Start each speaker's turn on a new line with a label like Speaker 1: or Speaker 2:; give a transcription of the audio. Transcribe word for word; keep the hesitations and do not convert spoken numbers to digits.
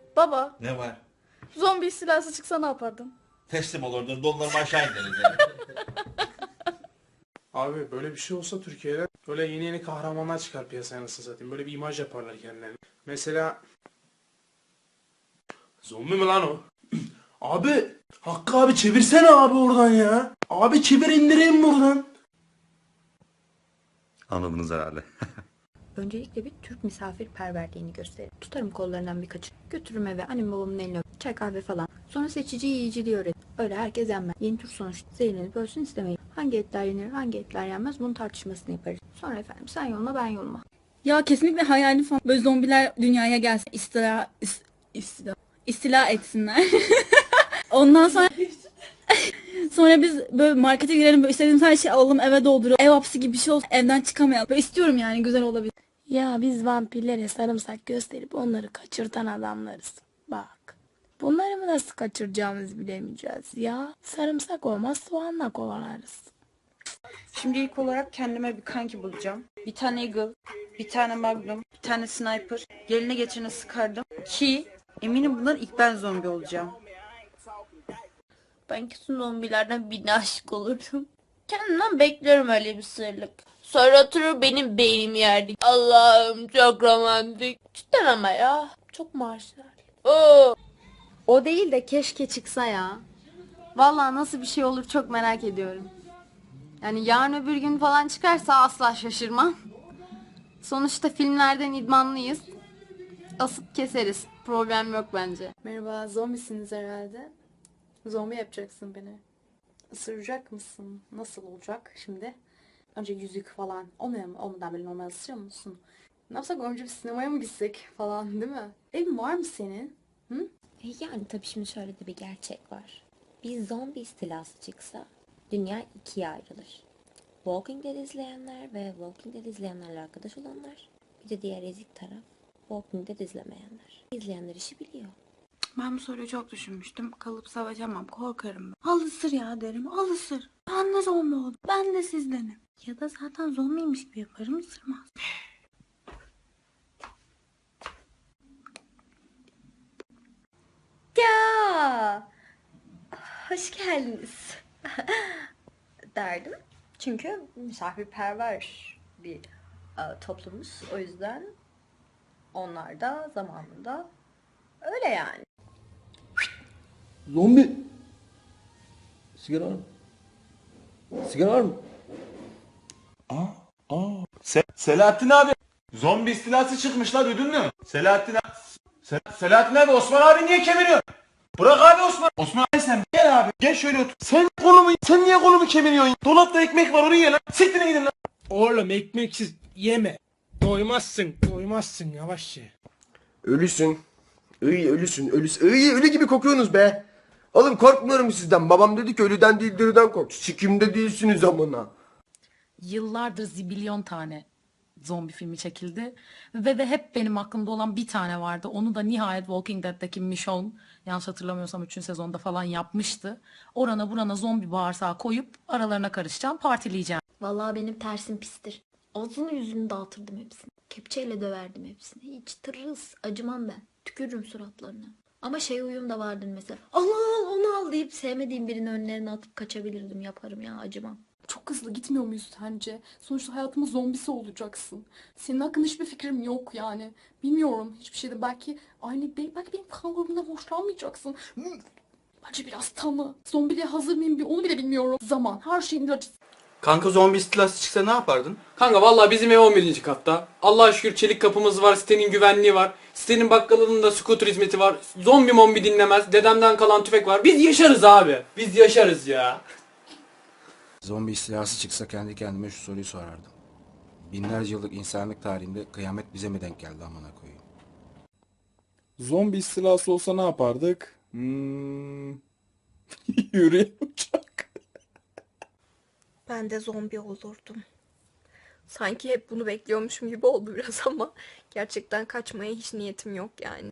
Speaker 1: Baba,
Speaker 2: Ne var?
Speaker 1: zombi istilası çıksa ne yapardın?
Speaker 2: Teslim olurdun, donlarımı aşağı indiririz yani.
Speaker 3: Abi böyle bir şey olsa Türkiye'de böyle yeni yeni kahramanlar çıkar piyasaya, nasıl satayım. Böyle bir imaj yaparlar kendilerine. Mesela zombi mi lan o? Abi Hakkı abi çevirsene abi oradan ya. Abi çevir, indireyim buradan.
Speaker 4: Anladınız herhalde.
Speaker 5: Öncelikle bir Türk misafirperverliğini gösterir. Tutarım kollarından birkaçı. Götürürüm eve, annem babamın eline öp, çay kahve falan. Sonra seçici yiyiciliği öğret. Öyle herkes yenmez. Yeni tür sonuçta zehirlenip ölsün istemeyin. Hangi etler yenir, hangi etler yenmez, bunun tartışmasını yaparız. Sonra efendim sen yoluna ben yoluma.
Speaker 6: Ya kesinlikle hayalim falan. Böyle zombiler dünyaya gelsin. İstila, is- istila, istila etsinler. Ondan sonra sonra biz böyle markete girelim, böyle istediğimiz her şeyi alalım, eve dolduralım. Ev hapsi gibi bir şey olsun. Evden çıkamayalım. Böyle istiyorum yani, güzel olabilir.
Speaker 7: Ya biz vampirlere sarımsak gösterip onları kaçırtan adamlarız. Bak. Bunları mı nasıl kaçıracağımızı bilemeyeceğiz ya. Sarımsak olmaz, soğanla kovalarız.
Speaker 8: Şimdi ilk olarak kendime bir kanki bulacağım. Bir tane Eagle, bir tane Magnum, bir tane Sniper. Geline geçene sıkardım ki eminim bundan ilk ben zombi olacağım.
Speaker 1: Ben kesin zombilerden birine aşık olurdum. Kendimden bekliyorum öyle bir sırlık. Sonra oturur benim beynimi yerdik. Allah'ım çok romantik. Cidden ama ya. Çok marjinal. Oo.
Speaker 5: O değil de keşke çıksa ya. Vallahi nasıl bir şey olur çok merak ediyorum. Yani yarın öbür gün falan çıkarsa asla şaşırmam. Sonuçta filmlerden idmanlıyız. Asıp keseriz. Problem yok bence.
Speaker 9: Merhaba, zombisiniz herhalde. Zombi yapacaksın beni. Isıracak mısın? Nasıl olacak şimdi? Önce yüzük falan. Olmuyor mu? Olmadan böyle normal ısırıyor musun? Ne yapsak, önce bir sinemaya mı gitsek falan, değil mi? Evin var mı senin? Hı?
Speaker 10: E yani tabii şimdi şöyle de bir gerçek var. Bir zombi istilası çıksa dünya ikiye ayrılır. Walking Dead izleyenler ve Walking Dead izleyenlerle arkadaş olanlar. Bir de diğer ezik taraf Walking Dead izlemeyenler. İzleyenler işi biliyor.
Speaker 8: Ben bu soruyu çok düşünmüştüm. Kalıp savaşamam, korkarım. Al ısır ya derim, al ısır. Ben de zombi oldum, ben de sizdenim. Ya da zaten zombiymiş gibi yaparım, ısırmaz.
Speaker 5: Ya, hoş geldiniz derdim. Çünkü misafirperver bir e, toplumuz. O yüzden onlar da zamanında öyle yani.
Speaker 11: Zombi. Sigara var mı? Sigara var mı?
Speaker 2: Aa, aa. Se Selahattin abi. Zombi istilası çıkmışlar, duydun mu? Selahattin abi. Se Selahattin abi, Osman abi niye kemiriyor? Bırak abi Osman. Osman abi sen gel abi. Gel şöyle otur. Sen kolumu, sen niye kolumu kemiriyorsun? Dolapta ekmek var, oraya ye lan. Siktir gidin lan.
Speaker 3: Oğlum ekmeksiz yeme. Doymazsın, doymazsın, yavaş ye.
Speaker 11: Ölüsün. Iy ölüsün. Ölüsün. Iy ölü gibi kokuyorsunuz be. Oğlum korkmuyorum sizden. Babam dedi ki ölüden değil diriden kork. Sikimde değilsiniz amına.
Speaker 12: Yıllardır zibilyon tane zombi filmi çekildi. Ve, ve hep benim aklımda olan bir tane vardı. Onu da nihayet Walking Dead'deki Michonne, yanlış hatırlamıyorsam üçüncü sezonda falan yapmıştı. Orana burana zombi bağırsağı koyup aralarına karışacağım, partileyeceğim.
Speaker 7: Vallahi benim tersim pistir. Ağzını yüzünü dağıtırdım hepsini. Kepçeyle döverdim hepsini. Hiç tırıs acımam ben. Tükürürüm suratlarına. Ama şey huyum da vardır mesela. Al al onu al deyip sevmediğim birinin önlerine atıp kaçabilirdim. Yaparım ya, acımam.
Speaker 9: Çok hızlı gitmiyor muyuz sence? Sonuçta hayatımın zombisi olacaksın. Senin hakkında hiçbir fikrim yok yani. Bilmiyorum hiçbir şeyde. Belki aynı belki benim kan grubundan hoşlanmayacaksın. Bence biraz tanı. Zombiliğe hazır mıyım bir onu bile bilmiyorum. Zaman her şeyin ilacı.
Speaker 13: Kanka zombi istilası çıksa ne yapardın?
Speaker 14: Kanka vallahi bizim ev on birinci katta. Allah'a şükür çelik kapımız var, sitenin güvenliği var. Sitenin bakkalının da scooter hizmeti var. Zombi mombi dinlemez. Dedemden kalan tüfek var. Biz yaşarız abi. Biz yaşarız ya.
Speaker 15: Zombi istilası çıksa kendi kendime şu soruyu sorardım. Binlerce yıllık insanlık tarihinde kıyamet bize mi denk geldi amına koyayım?
Speaker 16: Zombi istilası olsa ne yapardık? Hmm. Yürüyen uçak.
Speaker 7: Ben de zombi olurdum. Sanki hep bunu bekliyormuşum gibi oldu biraz ama gerçekten kaçmaya hiç niyetim yok yani.